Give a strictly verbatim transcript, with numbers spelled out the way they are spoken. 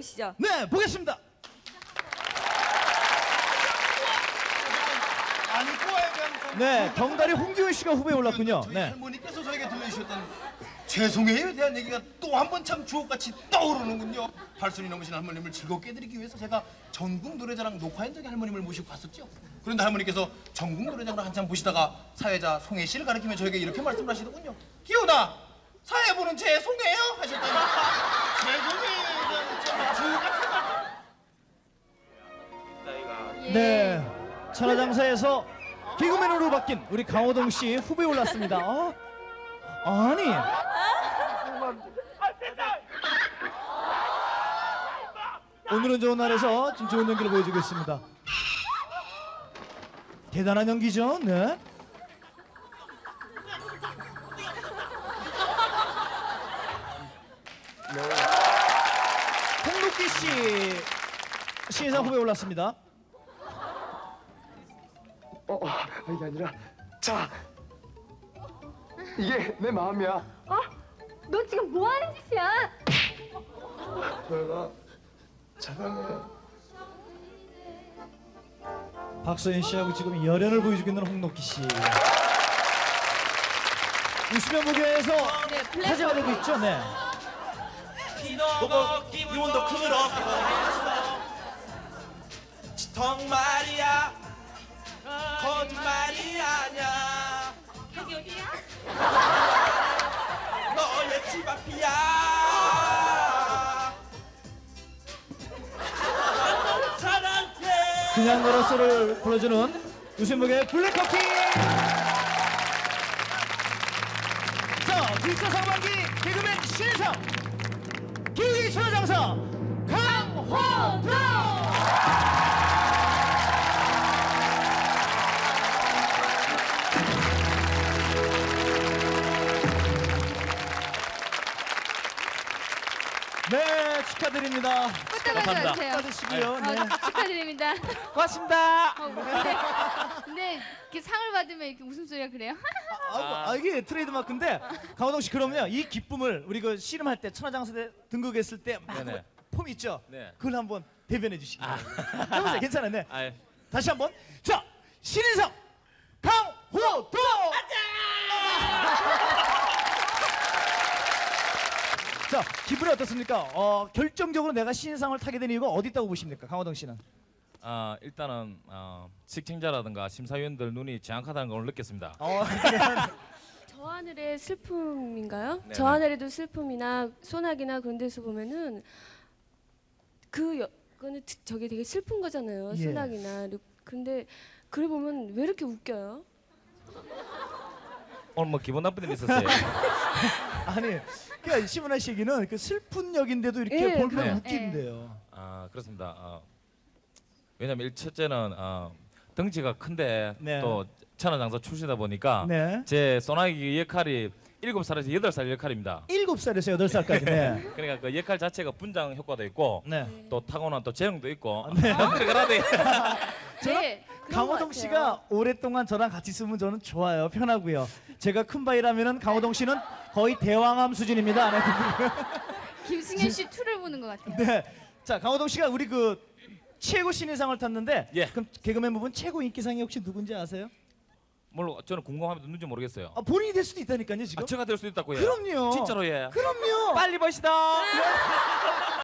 보시죠. 네, 보겠습니다. 아니 꼬아에 대한 네, 덩달이 홍기훈 씨가 후보에 올랐군요. 저희 네. 할머니께서 저에게 들려주셨던 죄송해요에 대한 얘기가 또 한 번 참 주옥같이 떠오르는군요. 팔순이 넘으신 할머님을 즐겁게 해드리기 위해서 제가 전국 노래자랑 녹화 현장에 할머님을 모시고 갔었죠. 그런데 할머니께서 전국 노래자랑을 한참 보시다가 사회자 송혜 씨를 가리키며 저에게 이렇게 말씀을 하시더군요. 기훈아, 사회 보는 제 송혜예요? 하셨더니 죄송해요에 대한 참 주옥같은 말씀. 네, 천하장사에서 개그맨으로 바뀐 우리 강호동 씨 후보에 올랐습니다. 어? 아니, 오늘은 좋은 날에서 좀 좋은 연기를 보여주고 있습니다. 대단한 연기죠. 네. 홍록기 씨 신인상 후보에 올랐습니다. 어, 어, 이게 아니라 자 이게 내 마음이야. 어? 너 지금 뭐 하는 짓이야? 저희가 사랑해. 박서연 씨하고 지금 열연을 보여주고 있는 홍록기 씨. 웃으면 무교에서 네, 블랙 화제가 되고 있죠. 네. 보고 기분도 크므로 정말이야 거짓말이 아냐 여기 어디야? 너의 집 앞이야 사랑해 그냥 걸어서를 불러주는 웃음무게 블랙커피. 자, 기차 상반기 개그맨 신인상 기우기 천하장사 강호동. 네, 축하드립니다. 꽃다발 주세요. 받으시고요. 네. 어, 축하드립니다. 고맙습니다. 어, 근데, 근데 이렇게 상을 받으면 이렇게 웃음소리가 그래요? 아, 아, 이게 트레이드마크인데 강호동 씨 그러면요 이 기쁨을 우리 그 씨름할 때 천하장사 때 등극했을 때막 네네. 폼 있죠? 네. 그걸 한번 대변해 주시기 바랍니다. 해보세요. 괜찮아요. 네. 아, 다시 한번. 자, 신인상 강호동. 자, 기분이 어떻습니까? 어, 결정적으로 내가 신인상을 타게 된 이유가 어디 있다고 보십니까, 강호동 씨는? 아, 일단은 어, 시청자라든가 심사위원들 눈이 정확하다는 걸 느꼈습니다. 어, 저 하늘의 슬픔인가요? 네네. 저 하늘에도 슬픔이나 소나기나 그런 데서 보면은 그 여, 그거는 드- 저게 되게 슬픈 거잖아요. 예. 소나기나. 근데 그래 보면 왜 이렇게 웃겨요? 오늘 뭐 기분 나쁜 일 있었어요? 아니, 그러니까 심은하 씨 얘기는 그 슬픈 역인데도 이렇게 예, 볼면 그래요. 웃긴대요. 아, 그렇습니다. 어, 왜냐면 일 첫째는 어, 덩치가 큰데 네. 또 천하장사 출신이다 보니까 네. 제 소나기 역할이 일곱 살에서 여덟 살 역할입니다. 일곱 살에서 여덟 살까지. 네. 그러니까 그 역할 자체가 분장 효과도 있고 네. 또 타고난 또 재능도 있고 네. 남들이 가라대. 네. 그런 것 강호동 같아요. 씨가 오랫동안 저랑 같이 있으면 저는 좋아요. 편하고요. 제가 큰 바이라면은 강호동 씨는 거의 대왕암 수준입니다. 네. 김승현 씨 투를 보는 것 같아요. 네. 자, 강호동 씨가 우리 그 최고 신인상을 탔는데 예. 그럼 개그맨 부분 최고 인기상이 혹시 누군지 아세요? 물론 저는 궁금하면 누군지 모르겠어요. 아, 본인이 될 수도 있다니까요, 지금. 아, 제가 될 수도 있다고 해요. 그럼요. 진짜로 예. 그럼요. 빨리 보시다.